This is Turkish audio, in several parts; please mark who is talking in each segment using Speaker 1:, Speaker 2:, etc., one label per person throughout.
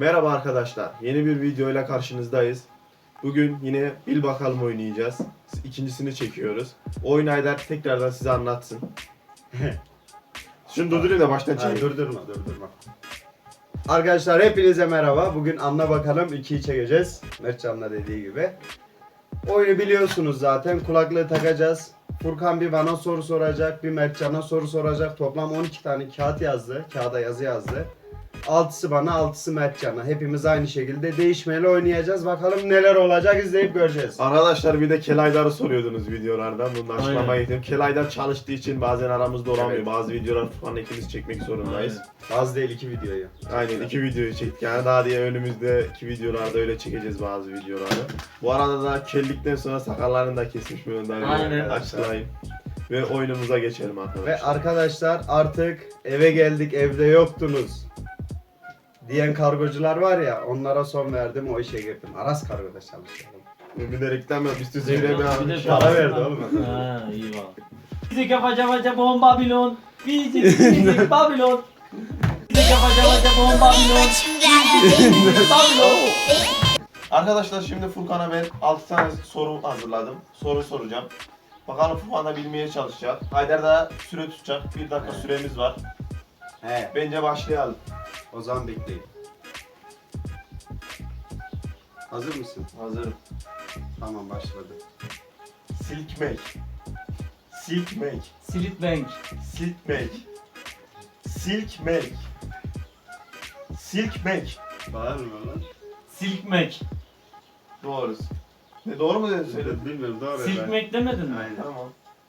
Speaker 1: Merhaba arkadaşlar, yeni bir video ile karşınızdayız. Bugün yine bil bakalım oynayacağız. İkincisini çekiyoruz. Oyun Haydar tekrardan size anlatsın. Şunu durdurayım da baştan
Speaker 2: Hayır,
Speaker 1: çekeyim.
Speaker 2: durdurma. Arkadaşlar hepinize merhaba. Bugün Anla Bakalım 2'yi çekeceğiz. Mertcan'la dediği gibi. Oyunu biliyorsunuz zaten. Kulaklığı takacağız. Furkan bir bana soru soracak, bir Mertcan'a soru soracak. Toplam 12 tane kağıt yazdı. Kağıda yazı yazdı. 6'sı bana, 6'sı Mertcan'a. Hepimiz aynı şekilde değişmeli oynayacağız. Bakalım neler olacak, izleyip göreceğiz.
Speaker 1: Arkadaşlar bir de Kelaydar'ı soruyordunuz videolardan. Bunu da açıklamaya
Speaker 3: Aynen.
Speaker 1: gittim. Kelaydar çalıştığı için bazen aramızda olamıyor.
Speaker 2: Evet.
Speaker 1: Bazı videolar falan ikimiz çekmek zorundayız.
Speaker 2: Az değil 2 videoyu.
Speaker 1: Aynen 2 videoyu çektik yani daha diye önümüzdeki videolarda öyle çekeceğiz bazı videoları. Bu arada da kellikten sonra sakallarını da kesmiş bunu da
Speaker 3: Aynen.
Speaker 1: açıklayayım. Ve oyunumuza geçelim arkadaşlar.
Speaker 2: Ve arkadaşlar artık eve geldik, evde yoktunuz diyen kargocular var ya, onlara son verdim, o işe girdim. Aras Kargo'da çalışıyorum.
Speaker 1: Bir de reklam yap. Üstü
Speaker 3: Bir
Speaker 1: zirve bir
Speaker 3: de
Speaker 1: abi.
Speaker 2: para verdi oğlum.
Speaker 3: Ha iyi var. Fizik yapaca bom Babilon. Fizik Babilon. Fizik yapaca bom Babilon. Fizik Babilon.
Speaker 1: Arkadaşlar şimdi Furkan'a ben 6 tane soru hazırladım. Soru soracağım. Bakalım Furkan da bilmeye çalışacak. Haydar da süre tutacak. 1 dakika süremiz var.
Speaker 2: He,
Speaker 1: Bence başlayalım.
Speaker 2: o zaman bekleyin. Hazır mısın?
Speaker 1: Hazırım.
Speaker 2: Tamam, başladı.
Speaker 1: Silkmek. Silkmek.
Speaker 3: Silitbank.
Speaker 1: Silkmek. Silkmek. Silkmek.
Speaker 2: Bağırma lan.
Speaker 3: Silkmek.
Speaker 1: Doğrusu. Ne doğru mu dedin söyledin?
Speaker 2: Bilmiyorum, doğru.
Speaker 3: Silkmek demedin mi?
Speaker 2: Aynen.
Speaker 1: Tamam.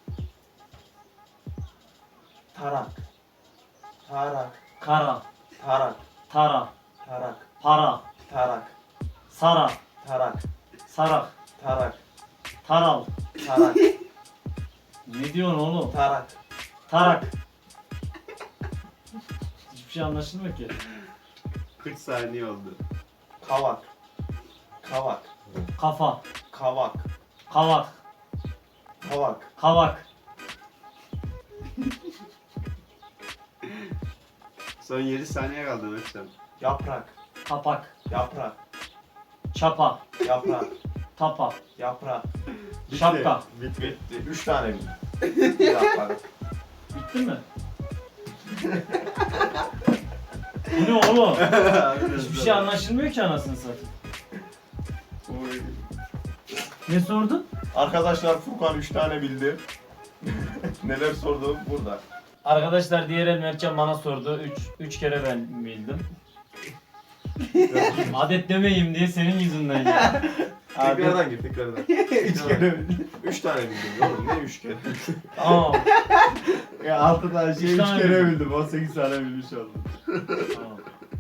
Speaker 1: Tarak. Tarak.
Speaker 3: Kara.
Speaker 1: Tarak.
Speaker 3: Tara.
Speaker 1: Tarak.
Speaker 3: Para.
Speaker 1: Tarak.
Speaker 3: Sara.
Speaker 1: Tarak.
Speaker 3: Sarak.
Speaker 1: Tarak.
Speaker 3: Taral.
Speaker 1: Tarak.
Speaker 3: Ne diyorsun oğlum?
Speaker 1: Tarak.
Speaker 3: Tarak. Hiçbir şey anlaşılmıyor ki.
Speaker 2: 40 saniye oldu.
Speaker 1: Kavak. Kavak.
Speaker 3: Kafa.
Speaker 1: Kavak.
Speaker 3: Kavak.
Speaker 1: Kavak.
Speaker 3: Kavak.
Speaker 2: Son 7 saniye kaldı Mertcan.
Speaker 1: Yaprak.
Speaker 3: Kapak.
Speaker 1: Yaprak.
Speaker 3: Çapa.
Speaker 1: Yaprak.
Speaker 3: Tapa.
Speaker 1: Yaprak.
Speaker 3: Şapka.
Speaker 1: Bitti. 3 tane bildim. Bir dakika.
Speaker 3: Bitti mi? Bu ne oğlum? Hiçbir şey anlaşılmıyor ki anasını satayım. Ne sordun?
Speaker 1: Arkadaşlar Furkan 3 tane bildi. Neler sordu burada.
Speaker 3: Arkadaşlar diğer el Mertcan bana sordu. 3 kere ben bildim. Adet demeyeyim diye senin yüzünden ya.
Speaker 1: Tekrardan gir tekrardan.
Speaker 2: 3 kere bildim.
Speaker 1: 3 tane bildim oğlum ne 3 kere?
Speaker 3: Tamam.
Speaker 2: Ya 6 tane şey 3
Speaker 3: tane
Speaker 2: kere
Speaker 3: bildim.
Speaker 2: bildim. 18 tane bilmiş oldum.
Speaker 3: Tamam.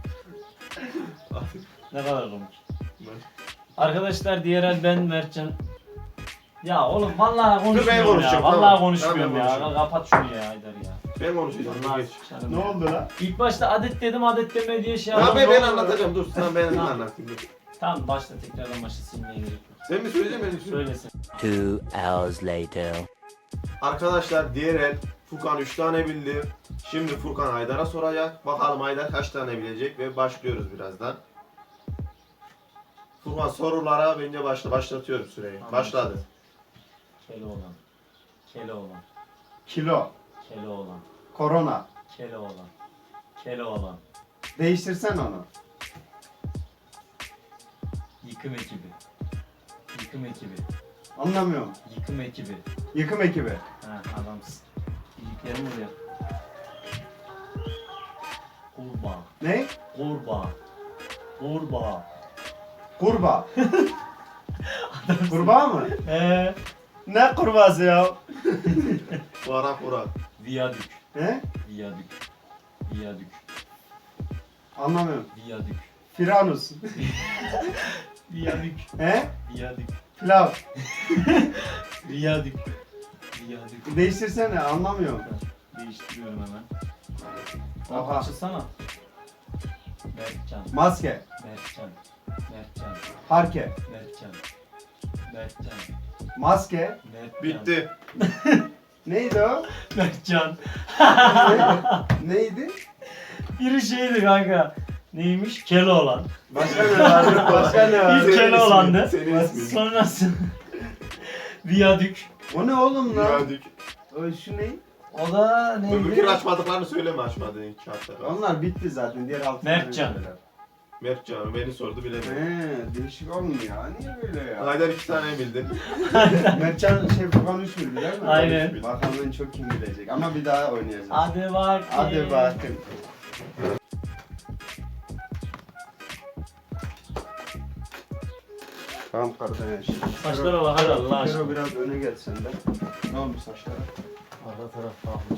Speaker 3: Ne kadar komik. Arkadaşlar diğer el ben Mertcan. Ya oğlum vallahi konuşmuyorum ya.
Speaker 1: konuşacağım,
Speaker 3: Vallahi
Speaker 1: tamam.
Speaker 3: konuşmuyorum
Speaker 1: Tamam, ben
Speaker 3: ya.
Speaker 1: konuşacağım.
Speaker 3: Kapat şunu ya Haydar ya.
Speaker 1: Ben konuşacağım.
Speaker 3: Vallahi
Speaker 1: Geç.
Speaker 3: sıçarım
Speaker 2: Ne
Speaker 3: ya.
Speaker 2: oldu lan?
Speaker 3: İlk başta adet dedim adet deme diye şey
Speaker 1: Ya
Speaker 3: yaptım.
Speaker 1: ben anlatacağım dur sen ben
Speaker 3: Tamam.
Speaker 1: anlatayım dur.
Speaker 3: Tamam başla tekrardan başla silmeye gerek yok.
Speaker 1: Sen mi söyleyeceksin ben mi söyleyeyim?
Speaker 3: Söylesin.
Speaker 4: 2 hours later.
Speaker 1: Arkadaşlar diğer el Furkan 3 tane bildi. Şimdi Furkan Haydar'a soracak. Bakalım Haydar kaç tane bilecek ve başlıyoruz birazdan. Furkan sorulara bence başlatıyorum süreyi.
Speaker 3: Tamam.
Speaker 1: Başladı.
Speaker 3: Keloğlan. Keloğlan.
Speaker 2: Kilo.
Speaker 3: Keloğlan.
Speaker 2: Korona.
Speaker 3: Keloğlan. Keloğlan.
Speaker 2: Değiştirsen onu.
Speaker 3: Yıkım ekibi. Yıkım ekibi.
Speaker 2: Anlamıyorum.
Speaker 3: Yıkım ekibi.
Speaker 2: Yıkım ekibi.
Speaker 3: Ha adamsın. İyiliklerim oluyor. Kurbağa.
Speaker 2: Ne?
Speaker 3: Kurbağa. Kurbağa.
Speaker 2: Kurbağa. Kurbağa mı? Ne kurbağası ya?
Speaker 1: Burak Burak.
Speaker 3: Viyadük.
Speaker 2: He?
Speaker 3: Viyadük. Viyadük.
Speaker 2: Anlamıyorum.
Speaker 3: Viyadük.
Speaker 2: Firanus.
Speaker 3: Viyadük.
Speaker 2: He?
Speaker 3: Viyadük.
Speaker 2: Pilav.
Speaker 3: Viyadük. Viyadük.
Speaker 2: Değiştirsene, anlamıyorum.
Speaker 3: Değiştiriyorum hemen.
Speaker 2: Oha.
Speaker 3: Açılsana. Mertcan.
Speaker 2: Maske.
Speaker 3: Mertcan. Mertcan.
Speaker 2: Parke.
Speaker 3: Mertcan. Mertcan.
Speaker 2: Maske.
Speaker 3: Mertcan.
Speaker 1: Bitti.
Speaker 2: Neydi o?
Speaker 3: Mertcan.
Speaker 2: Neydi?
Speaker 3: Biri şeydi kanka. Neymiş? Keloğlan.
Speaker 2: Başka ne var? Başka ne var?
Speaker 3: İlk Keloğlan'dı.
Speaker 1: Senin ismin.
Speaker 3: Sonrası Viyadük.
Speaker 2: O ne oğlum lan?
Speaker 1: Gördük.
Speaker 2: O şu ne?
Speaker 3: O da
Speaker 1: Öbürkür açmadıklarını söyleme açmadığın kağıtları.
Speaker 2: Onlar bitti zaten. Diğer altı
Speaker 3: Mertcan.
Speaker 1: Mert canım beni sordu bilemedim.
Speaker 2: Değişik olmuyor ya. Niye böyle ya?
Speaker 1: Haydar 2 tane bildi.
Speaker 2: Mertcan şey Furkan 3 bildi değil mi?
Speaker 3: Aynen.
Speaker 2: Bakalım çok kim bilecek ama bir daha oynayacağız.
Speaker 3: Hadi bak.
Speaker 2: Hadi bakın. Tamam kardeş.
Speaker 3: Saçlara bak hadi Allah aşkına.
Speaker 2: Kero biraz öne gel sen de. Ne olmuş saçlara?
Speaker 3: Arka taraf kalmış.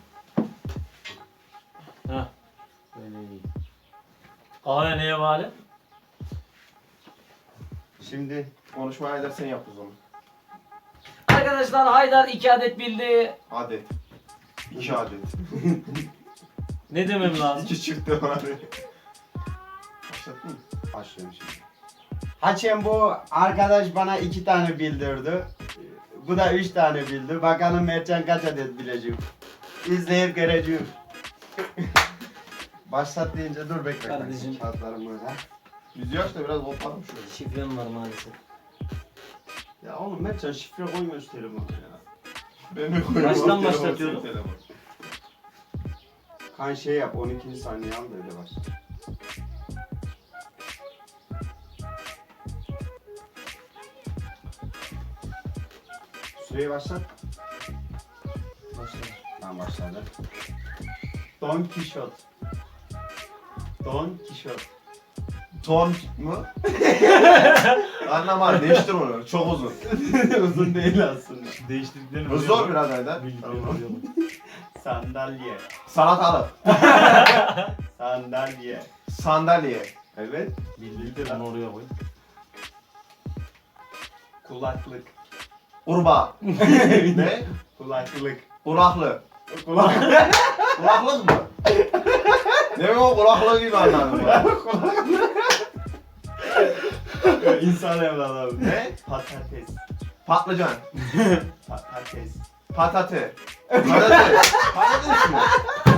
Speaker 3: Heh. Böyle iyi. Kahve neye bağlı?
Speaker 2: Şimdi
Speaker 1: Konuşma Haydar sen yap o zaman.
Speaker 3: Arkadaşlar Haydar 2 adet bildi.
Speaker 1: Adet. 2 adet.
Speaker 3: Ne demem lazım?
Speaker 1: 2 çıktı bari. Başlattın mı?
Speaker 2: başlıyorum şimdi. Haçem bu arkadaş bana 2 tane bildirdi. Bu da 3 tane bildi. Bakalım Mertcan kaç adet bilecek. İzleyip göreceğim. Başlat deyince dur bekle.
Speaker 3: Kardeşim.
Speaker 2: Kağıtlarım burada.
Speaker 1: Yüzü aç da biraz koparım şöyle.
Speaker 3: Şifrem var maalesef.
Speaker 2: Ya oğlum Mertcan şifre koymuş telefona ya.
Speaker 1: Ben mi koyuyorum?
Speaker 3: Baştan
Speaker 1: Telefon,
Speaker 3: başlatıyorum.
Speaker 1: senin telefon.
Speaker 2: Kan şey yap 12. saniye al da öyle başla. Süreyi başlat.
Speaker 3: Başla.
Speaker 2: Tamam başladı. Don Kişot. Don Kişot.
Speaker 1: Ton mu? Anlamadım değiştir onu. Çok uzun.
Speaker 2: Uzun değil aslında.
Speaker 3: Değiştirdiklerini
Speaker 1: Bu zor biraz Haydar. Tamam.
Speaker 2: Sandalye.
Speaker 1: Salatalık.
Speaker 2: Sandalye.
Speaker 1: Sandalye.
Speaker 2: Evet.
Speaker 3: Bildirdi bunu oraya koy.
Speaker 2: Kulaklık.
Speaker 1: Urba. Ne?
Speaker 2: Kulaklık.
Speaker 1: Kulaklı.
Speaker 2: Kulak.
Speaker 1: Kulaklık mı? Ne o kulaklığı gibi anladım ben.
Speaker 2: İnsan evladı.
Speaker 1: Ne?
Speaker 2: Patates.
Speaker 1: Patlıcan.
Speaker 2: Patates.
Speaker 1: Patate. Patates. Patates mi?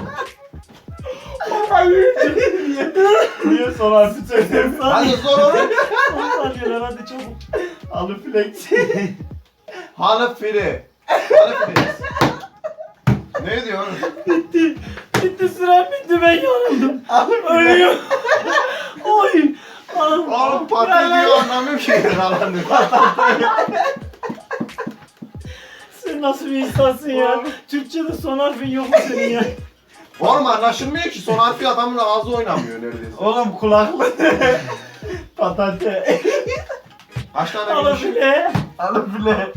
Speaker 2: Niye son harfi söylüyorsun?
Speaker 1: Hadi sor onu.
Speaker 3: 10 saniyeler hadi çabuk.
Speaker 2: Aluflex.
Speaker 1: Halı fili. Halı fili. Ne diyor?
Speaker 3: Bitti sürem bitti ben yanıldım. Ölüyorum. Oy.
Speaker 1: Oğlum patates diyor anlamıyorum ki. Anlamıyorum.
Speaker 3: Sen nasıl bir insansın ya? Türkçe'de son harfin yok mu senin ya?
Speaker 1: Oğlum anlaşılmıyor ki. Son harfi adamın ağzı oynamıyor neredeyse.
Speaker 2: Oğlum kulaklık. Patate.
Speaker 1: Kaç tane
Speaker 3: Alın
Speaker 1: bilmiş?
Speaker 3: bile.
Speaker 2: Alufle.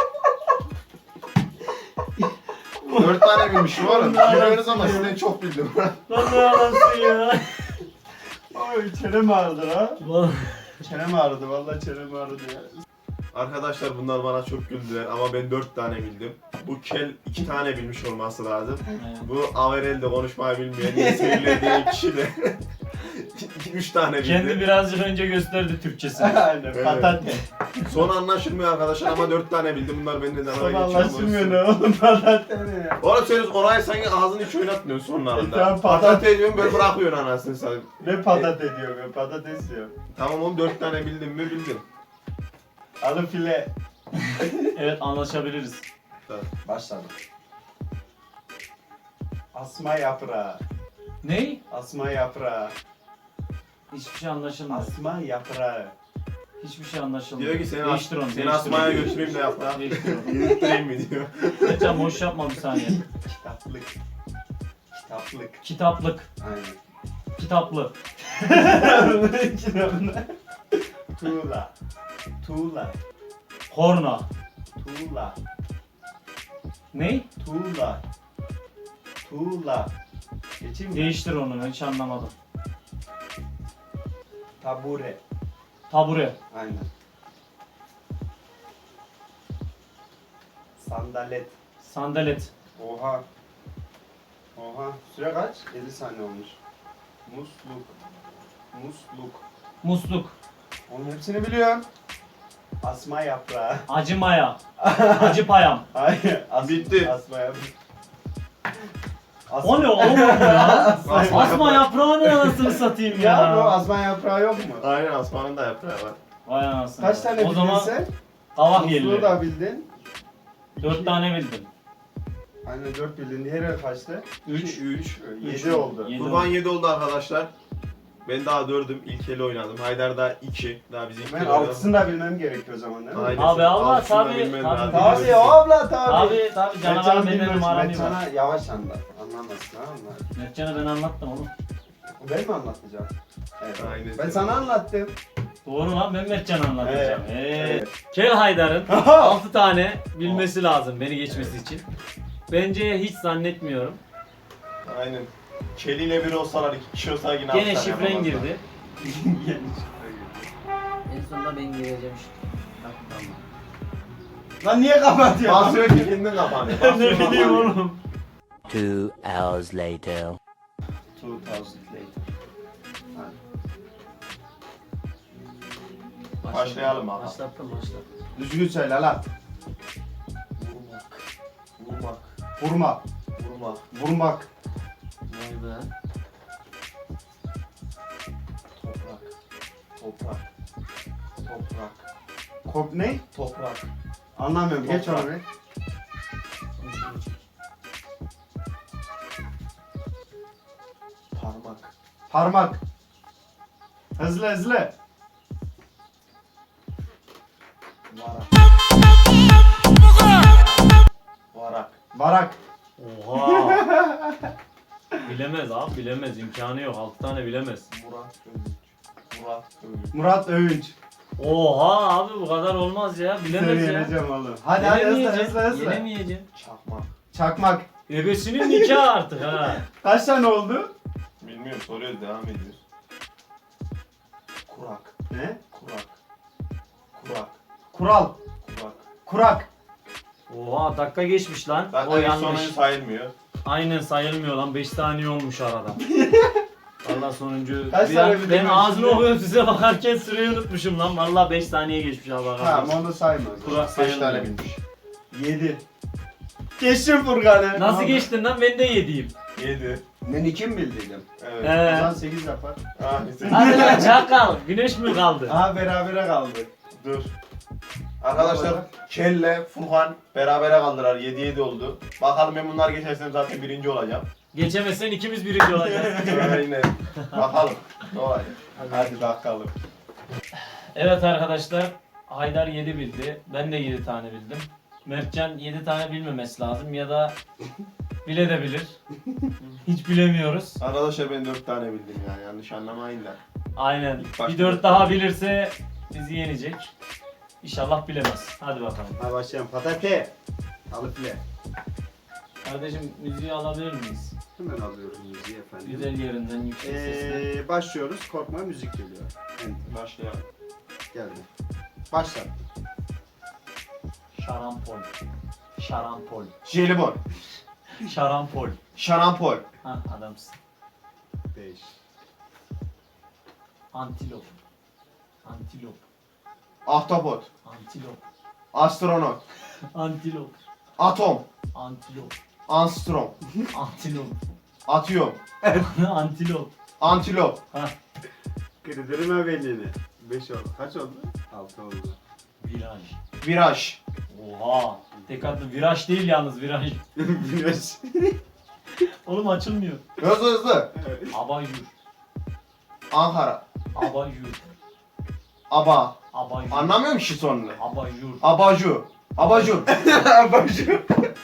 Speaker 1: 4 tane bilmişim oğlum. Biliyoruz ama sizden çok bildim.
Speaker 3: Lan ne anasın ya?
Speaker 2: Oy çenem ağrıdı ha.
Speaker 3: Vallahi.
Speaker 2: Çenem ağrıdı vallahi çenem ağrıdı ya.
Speaker 1: Arkadaşlar bunlar bana çok güldüler ama ben 4 tane bildim. Bu kel 2 tane bilmiş olması lazım. Bu Averel'de konuşmayı bilmeyen, niye sevilir diye kişi de 3 tane bildi.
Speaker 3: Kendi birazcık önce gösterdi Türkçesini.
Speaker 2: Aynen
Speaker 1: Evet.
Speaker 2: patate.
Speaker 1: Son anlaşılmıyor arkadaşlar ama 4 tane bildim. Bunlar benden de
Speaker 2: Son
Speaker 1: bana geçiyor.
Speaker 2: anlaşılmıyor ne oğlum patate ne ya?
Speaker 1: Oğlum sen orayı sanki ağzını hiç oynatmıyorsun sonlarında.
Speaker 2: Tamam,
Speaker 1: Patate diyorsun böyle bırakıyorsun anasını sen.
Speaker 2: Ne patate diyor be patates diyor.
Speaker 1: Tamam oğlum 4 tane bildim mi bildim.
Speaker 2: Alufle.
Speaker 3: Evet anlaşabiliriz.
Speaker 2: Başladım. Asma yaprağı.
Speaker 3: Ney?
Speaker 2: Asma yaprağı.
Speaker 3: Hiçbir şey anlaşılmıyor.
Speaker 2: Asma yaprağı.
Speaker 3: Hiçbir şey anlaşılmıyor.
Speaker 1: Diyor ki seni,
Speaker 3: Değiştir onu.
Speaker 1: seni
Speaker 3: değiştir
Speaker 1: asmaya
Speaker 3: onu.
Speaker 1: götüreyim de yap lan.
Speaker 3: Değiştir onu.
Speaker 1: Yürüttüreyim mi diyor.
Speaker 3: Geçen boş yapma bir saniye.
Speaker 2: Kitaplık. Kitaplık.
Speaker 3: Kitaplık.
Speaker 2: Aynen.
Speaker 3: Kitaplı.
Speaker 2: Tuğla. Tuğla.
Speaker 3: Korna.
Speaker 2: Tuğla.
Speaker 3: Ney?
Speaker 2: Tuğla. Tuğla. Geçeyim mi?
Speaker 3: Değiştir onu hiç anlamadım.
Speaker 2: Tabure.
Speaker 3: Tabure.
Speaker 2: Aynen. Sandalet.
Speaker 3: Sandalet.
Speaker 2: Oha. Oha. Süre kaç? 7 saniye olmuş. Musluk. Musluk.
Speaker 3: Musluk.
Speaker 2: Onun hepsini biliyorum. Asma yaprağı.
Speaker 3: Acı maya. Acı payam.
Speaker 2: Hayır.
Speaker 1: Bitti.
Speaker 2: Asma yaprağı.
Speaker 3: O ne oğlum ya? Asma yaprağı ne anasını satayım ya.
Speaker 2: Ya bu azman yaprağı yok mu?
Speaker 1: Aynen Asman'ın da yaprağı var.
Speaker 3: Vay anasını.
Speaker 2: Kaç tane
Speaker 3: O
Speaker 2: bildin
Speaker 3: zaman
Speaker 2: sen?
Speaker 3: kavak
Speaker 2: Muzluğu
Speaker 3: yerleri.
Speaker 2: da bildin.
Speaker 3: 4 tane bildim.
Speaker 2: Aynen 4 bildin. Diğeri kaçtı?
Speaker 3: 3.
Speaker 2: 7 oldu.
Speaker 3: Yedi
Speaker 1: Kurban
Speaker 3: oldu.
Speaker 1: 7 oldu arkadaşlar. Ben daha 4'üm. İlk eli oynadım. Haydar da 2. Daha bizim ilk
Speaker 2: Ben
Speaker 1: eli oynadı.
Speaker 2: 6'sını da bilmem gerekiyor o zaman değil mi?
Speaker 1: Aynen.
Speaker 3: Abi Allah
Speaker 1: Altısını da
Speaker 3: tabii.
Speaker 1: bilmen lazım.
Speaker 2: Tabii abla tabii.
Speaker 3: Tabii canavar benim numaram var.
Speaker 2: Sana yavaş anlat. Anlamazsın ha onlar.
Speaker 3: Mertcan'a ben anlattım oğlum.
Speaker 2: Ben mi anlatacağım? Evet.
Speaker 1: Aynen.
Speaker 2: Ben sana anlattım.
Speaker 3: Doğru lan ben Mertcan'a anlatacağım.
Speaker 2: Evet.
Speaker 3: Kel Haydar'ın 6 tane bilmesi lazım beni geçmesi için. Bence hiç zannetmiyorum.
Speaker 1: Aynen. Keliyle bir olsalar 2 kişi olsa yine
Speaker 3: Gene
Speaker 1: altı tane
Speaker 3: şifren
Speaker 1: yapamazlar.
Speaker 3: girdi. En sonunda ben gireceğim
Speaker 2: Lan niye kapatıyorsun?
Speaker 1: Basıyor ki kendin kapanıyor.
Speaker 3: Ne bileyim oğlum.
Speaker 4: 2 hours later.
Speaker 2: 2000 later.
Speaker 1: Başlayalım abi.
Speaker 3: Başlattım.
Speaker 2: Düzgün söyle lan.
Speaker 1: Vurmak.
Speaker 2: Vurma.
Speaker 1: Vurmak.
Speaker 2: Vurmak.
Speaker 3: Vay be.
Speaker 1: Toprak. Toprak. Toprak.
Speaker 2: Kop ne?
Speaker 1: Toprak.
Speaker 2: Anlamıyorum. Geç
Speaker 1: Toprak.
Speaker 2: onu bir.
Speaker 1: Parmak.
Speaker 2: Parmak. Hızlı hızlı.
Speaker 1: Varak. Varak.
Speaker 2: Varak.
Speaker 3: Oha. Bilemez abi bilemez imkanı yok 6 tane bilemez.
Speaker 1: Murat Övünç. Murat Övünç.
Speaker 2: Murat Övünç.
Speaker 3: Oha abi bu kadar olmaz ya bilemez ya.
Speaker 2: Yeneceğim oğlum. Hadi hadi hızlı
Speaker 3: Yenemeyeceğim,
Speaker 2: hızlı hızlı.
Speaker 3: yenemeyeceğim.
Speaker 1: Çakmak.
Speaker 2: Çakmak.
Speaker 3: Ebesinin nikahı artık ha.
Speaker 2: Kaç tane oldu?
Speaker 1: Bilmiyorum soruyoruz devam ediyoruz. Kurak.
Speaker 2: Ne?
Speaker 1: Kurak. Kurak.
Speaker 2: Kural.
Speaker 1: Kurak.
Speaker 2: Kurak.
Speaker 3: Oha dakika geçmiş lan.
Speaker 1: Zaten
Speaker 3: O
Speaker 1: ilk
Speaker 3: yanlış.
Speaker 1: sonuncu sayılmıyor.
Speaker 3: Aynen sayılmıyor lan 5 saniye olmuş arada. Valla sonuncu.
Speaker 2: Kaç
Speaker 3: Bir
Speaker 2: tane
Speaker 3: an-
Speaker 2: bildin
Speaker 3: ben
Speaker 2: ben
Speaker 3: ağzını
Speaker 2: şimdi?
Speaker 3: okuyorum size bakarken süreyi unutmuşum lan. Valla 5 saniye geçmiş abi.
Speaker 2: Tamam onu sayma.
Speaker 3: Kurak
Speaker 1: 5
Speaker 3: sayılmıyor.
Speaker 1: tane bilmiş.
Speaker 2: 7. Geçtim Furkan'ı.
Speaker 3: Nasıl
Speaker 2: Aldım.
Speaker 3: geçtin lan ben de yediyim.
Speaker 1: 7.
Speaker 2: Ben 2 mi bildiydim?
Speaker 1: Evet.
Speaker 2: O
Speaker 3: He.
Speaker 2: zaman 8 yapar.
Speaker 1: Ah, neyse.
Speaker 3: Hadi lan çakal. Güneş mi kaldı?
Speaker 2: Aha berabere kaldı.
Speaker 1: Dur. Arkadaşlar Kelle, Furkan berabere kaldılar. 7-7 oldu. Bakalım ben bunlar geçersem zaten birinci olacağım.
Speaker 3: Geçemezsen ikimiz birinci olacağız.
Speaker 1: Aynen. Bakalım. Ne olacak? Hadi bakalım.
Speaker 3: Evet arkadaşlar. Haydar 7 bildi. Ben de 7 tane bildim. Mertcan 7 tane bilmemesi lazım ya da bile de bilir. Hiç bilemiyoruz.
Speaker 1: Arkadaşlar ben 4 tane bildim yani yanlış anlamayın da.
Speaker 3: Aynen.
Speaker 1: Başka
Speaker 3: Bir 4 daha bilirse bizi yenecek. İnşallah bilemez. Hadi bakalım.
Speaker 2: Ha başlayalım. Patate. Alıple.
Speaker 3: Kardeşim müziği alabilir miyiz?
Speaker 2: Hemen alıyoruz müziği efendim.
Speaker 3: Güzel yerinden yüksek sesle.
Speaker 2: Başlıyoruz. Korkma müzik geliyor. Enter.
Speaker 1: Başlayalım.
Speaker 2: Geldi. Başla.
Speaker 3: Şarampol. Şarampol.
Speaker 1: Jelibon.
Speaker 3: Şarampol.
Speaker 1: Şarampol.
Speaker 3: Ha adamsın.
Speaker 2: 5.
Speaker 3: Antilop. Antilop.
Speaker 1: Ahtapot.
Speaker 3: Antilop.
Speaker 1: Astronot.
Speaker 3: Antilop.
Speaker 1: Atom.
Speaker 3: Antilop.
Speaker 1: Anstrom.
Speaker 3: Antilop.
Speaker 1: Atıyorum.
Speaker 3: Antilop.
Speaker 1: Antilop.
Speaker 3: Ha.
Speaker 2: Kırdırma belini. 5 oldu. Kaç oldu? 6 oldu.
Speaker 3: Viraj.
Speaker 1: Viraj.
Speaker 3: Oha. Tek adlı viraj değil yalnız viraj.
Speaker 2: Güneş.
Speaker 3: Oğlum açılmıyor.
Speaker 1: Hızlı hızlı.
Speaker 3: Abayur.
Speaker 1: Ankara.
Speaker 3: Abayur.
Speaker 1: Aba.
Speaker 3: Abayur.
Speaker 1: Anlamıyorum ki sonunu.
Speaker 3: Abayur.
Speaker 1: Abajur. Abajur.
Speaker 2: Abajur.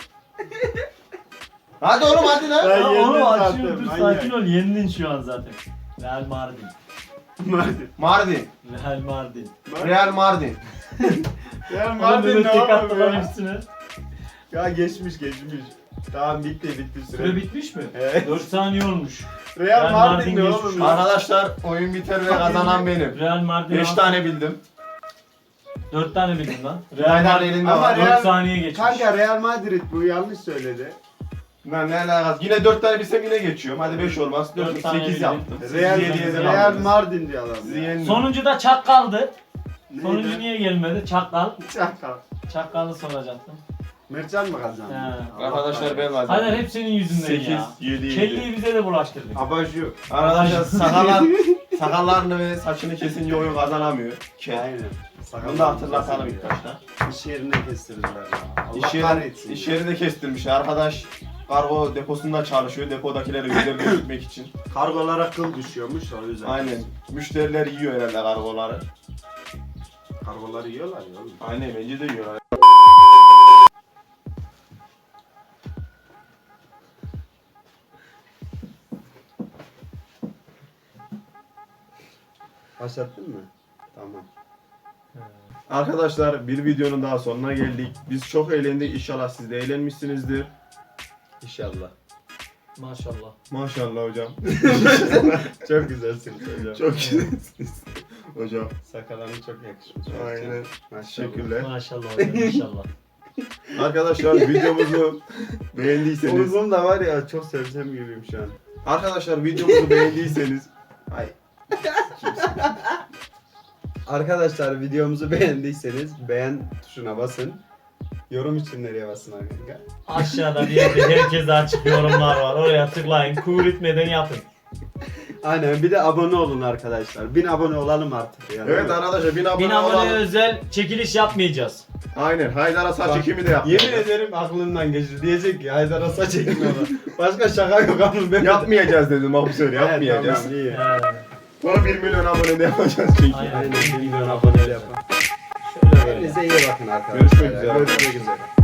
Speaker 1: Hadi oğlum hadi lan.
Speaker 2: Ben
Speaker 3: Ya
Speaker 2: yendim
Speaker 3: oğlum
Speaker 2: zaten,
Speaker 3: açıyor dur
Speaker 2: manyak.
Speaker 3: sakin ol yendin şu an zaten. Real Mardin.
Speaker 2: Mardin.
Speaker 1: Mardin.
Speaker 3: Real Mardin.
Speaker 1: Real Mardin.
Speaker 2: Ya
Speaker 3: Oğlum
Speaker 2: Mardin
Speaker 3: böyle
Speaker 2: ne
Speaker 3: tek
Speaker 2: oğlum
Speaker 3: attılar
Speaker 2: ya?
Speaker 3: üstüne.
Speaker 2: Ya geçmiş. Tamam bitti süre.
Speaker 3: Süre bitmiş mi?
Speaker 2: Evet.
Speaker 3: 4 saniye olmuş.
Speaker 2: Real Mardin ne
Speaker 3: geçmiş
Speaker 2: oğlum?
Speaker 3: şu an.
Speaker 1: Arkadaşlar oyun biter ve kazanan benim.
Speaker 3: Real Mardin
Speaker 1: 5 tane bildim.
Speaker 3: 4 tane bildim lan.
Speaker 1: Haydar elinde
Speaker 2: Ama
Speaker 1: var.
Speaker 3: 4
Speaker 2: Real-
Speaker 3: saniye geçmiş.
Speaker 2: Kanka Real Madrid bu yanlış söyledi.
Speaker 1: Lan ne alakası? Yine 4 tane bilsem yine geçiyorum. Hadi 5 olmaz.
Speaker 3: Dört
Speaker 1: 4
Speaker 3: tane
Speaker 1: 8
Speaker 3: bildim.
Speaker 1: yaptım.
Speaker 2: Real,
Speaker 1: Siz 7'ye
Speaker 2: Real
Speaker 1: devam
Speaker 2: Mardin diyor adam.
Speaker 1: Sizi yendim.
Speaker 3: Sonuncu da Çakkal'dı.
Speaker 2: Neydi?
Speaker 3: Sonuncu niye gelmedi? Çakkal.
Speaker 2: Çakal.
Speaker 3: Çakkal'ı soracaktım.
Speaker 2: Mertcan mı kazandı?
Speaker 3: He.
Speaker 2: Allah
Speaker 1: Arkadaşlar ben
Speaker 2: kahretsin.
Speaker 1: kazandım.
Speaker 3: Haydar hep senin yüzünden
Speaker 1: 8,
Speaker 3: ya.
Speaker 1: 7, 7.
Speaker 3: Kelliyi bize de bulaştırdık.
Speaker 2: Abajur.
Speaker 1: Arkadaşlar sakallarını ve saçını kesince oyun kazanamıyor. Kel.
Speaker 2: Aynen.
Speaker 1: Bunu da hatırlatalım ilk başta.
Speaker 2: İş yerine kestirdiler ya. Allah
Speaker 1: İş
Speaker 2: kahretsin.
Speaker 1: yeri de kestirmiş. Arkadaş kargo deposunda çalışıyor. Depodakileri üzerine gitmek için.
Speaker 2: Kargolara kıl düşüyormuş o yüzden.
Speaker 1: Aynen. Müşteriler yiyor herhalde kargoları.
Speaker 2: Kargoları yiyorlar ya oğlum.
Speaker 1: Aynen bence de yiyorlar.
Speaker 2: Başlattın mı? Tamam.
Speaker 1: Arkadaşlar bir videonun daha sonuna geldik. Biz çok eğlendik. İnşallah siz de eğlenmişsinizdir.
Speaker 2: İnşallah.
Speaker 3: Maşallah.
Speaker 1: Maşallah hocam.
Speaker 2: Çok güzelsiniz hocam.
Speaker 1: Çok güzelsiniz. Hocam.
Speaker 2: Sakallarına çok yakışmış.
Speaker 1: Aynen.
Speaker 2: Maşallah.
Speaker 1: Teşekkürler.
Speaker 3: Maşallah hocam inşallah.
Speaker 1: Arkadaşlar videomuzu beğendiyseniz.
Speaker 2: Oğlum da var ya çok sevsem gibiyim şu an.
Speaker 1: Arkadaşlar videomuzu beğendiyseniz. Ay.
Speaker 2: Arkadaşlar videomuzu beğendiyseniz beğen tuşuna basın. Yorum için nereye basın kanka?
Speaker 3: Aşağıda bir yerde herkese açık yorumlar var. Oraya tıklayın. Kur etmeden yapın.
Speaker 2: Aynen bir de abone olun arkadaşlar. 1000 abone olalım artık ya.
Speaker 1: Evet arkadaşlar 1000 abone
Speaker 3: 1000 abone
Speaker 1: olalım.
Speaker 3: özel çekiliş yapmayacağız.
Speaker 1: Aynen. Haydar'a saç
Speaker 2: Bak,
Speaker 1: ekimi de yaptık.
Speaker 2: Yemin ederim aklımdan geçti. Diyecek ki Haydar'a saç ekmiyorlar. Başka şaka yok ama ben
Speaker 1: Yapmayacağız dedim bak bu sefer yapmayacağız.
Speaker 2: Evet, tamam, iyi.
Speaker 1: Sonra 1 milyon abone de yapacağız çünkü.
Speaker 3: Aynen.
Speaker 2: Aynen 1 milyon abone yapın.
Speaker 3: Şöyle böyle.
Speaker 2: Kendinize iyi bakın arkadaşlar.
Speaker 1: Görüşmek üzere.
Speaker 2: Görüşmek üzere.